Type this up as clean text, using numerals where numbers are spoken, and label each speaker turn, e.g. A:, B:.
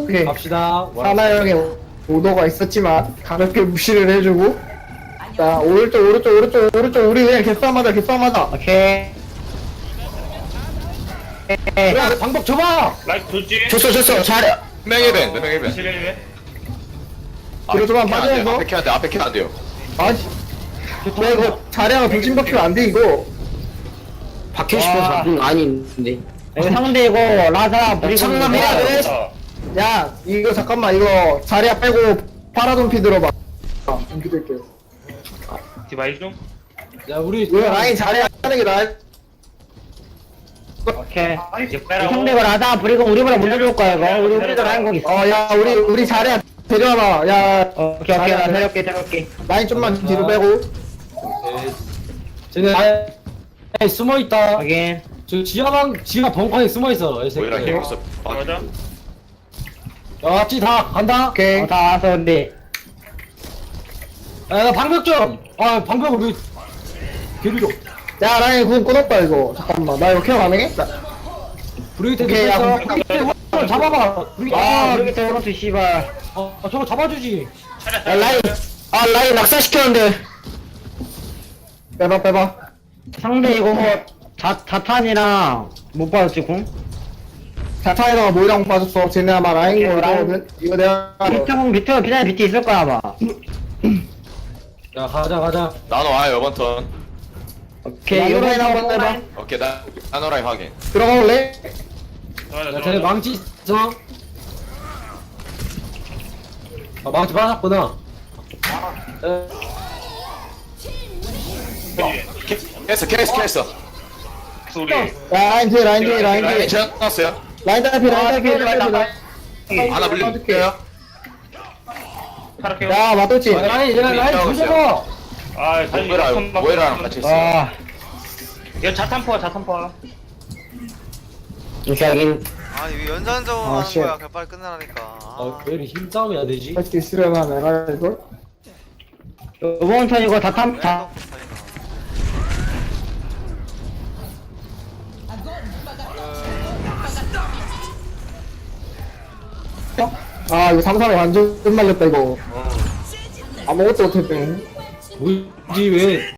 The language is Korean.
A: 오케이.
B: 갑시다.
A: 사나 형의 오더가 있었지만 가볍게 무시를 해주고. 자 오른쪽 우리 그냥 개싸움하자 개싸움하자.
C: 오케이.
B: 야, 방법 줘봐!
D: 라이트 돌지.
C: 줬어. 잘해.
E: 몇명 1벤, 몇 명 1벤.
D: 지뢰.
A: 뒤로 좀만 빠져서.
E: 앞에 캐안 돼, 앞에 캐안 돼요.
A: 아니 야 이거 자리하고 돌진 박히면 안 돼 이거.
C: 박히고 싶어서. 아닌데. 이거 상대 이거 라사 브리고.
A: 장난이야, 왜? 야 이거 잠깐만 이거 자리야 빼고 파라돈피 들어봐. 돈피 들게.
D: 디바이 좀.
B: 야, 우리.
A: 이거 라인 자리야 하는 게 나아.
C: 오케이.
D: 이제 빼라고.
C: 상대 이거 라사 브리고 우리보다 먼저 줄 거야 이거. 우리도 라인 공 있어.
A: 야 우리 자리야 데려와봐. 야
C: 오케이 나 데려올게.
A: 라인 좀만 뒤로 빼고.
B: 쟤네 라인에 숨어있다.
C: 확인.
B: 저 지하 벙커에 숨어있어. 이
E: 모이라
B: 새끼.
E: 힘있어.
D: 맞아.
B: 야, 다 간다.
A: 오케이.
C: 다 와서 우리.
B: 야, 나 방벽 좀. 아, 방벽 우리. 개비로.
A: 야 라인 구분 끊었다 이거. 잠깐만 나 이거 케어 가능해?
B: 브리기테
A: 오케이, 야,
B: 됐어.
A: 그럼
B: 브리기테 잡아봐.
C: 아 여기 오른쪽 씨발.
B: 저거 잡아주지.
A: 야 라인 낙사시켰는데. 빼봐.
C: 상대 이거 자탄이랑 못 받았지 공?
A: 자타에다가 모이랑 빠졌어. 쟤네 아마 라인
C: 오케이,
A: 거거든. 이거 내가
C: 비트 그냥 비트 있을 거야 아마.
B: 야, 가자.
E: 나노 와요, 이번 턴.
C: 오케이
A: 나노 라인 한번
C: 이거
A: 해봐.
E: 오케이, 나노라인 확인.
A: 들어가 볼래?
B: 야, 쟤네 망치 있어. 아, 망치 받았구나.
E: 캐스.
D: 소리.
A: 라인 뒤에
E: 라인 지났어요.
A: 라인 달피
E: 하나 불리.
A: 빠질게요.
D: 타락해요.
A: 야 맞돌지.
B: 라인 조져봐.
D: 아, 다시
E: 모이라랑 같이 있어.
C: 아
D: 이거 자탄포야.
C: 오케이 확인.
F: 아 이거 연산적으로
A: 아,
F: 하는
A: 쉣.
F: 거야. 그냥 빨리 끝내라니까.
B: 왜 이렇게 힘싸움이 안 되지?
A: 할수 있으려나 내가 이걸.
C: 이번 턴 이거 다탄 다.
A: 아 이거 3-3에 완전 끝말렸다 이거. 아무것도 못했네.
B: 뭐지 왜?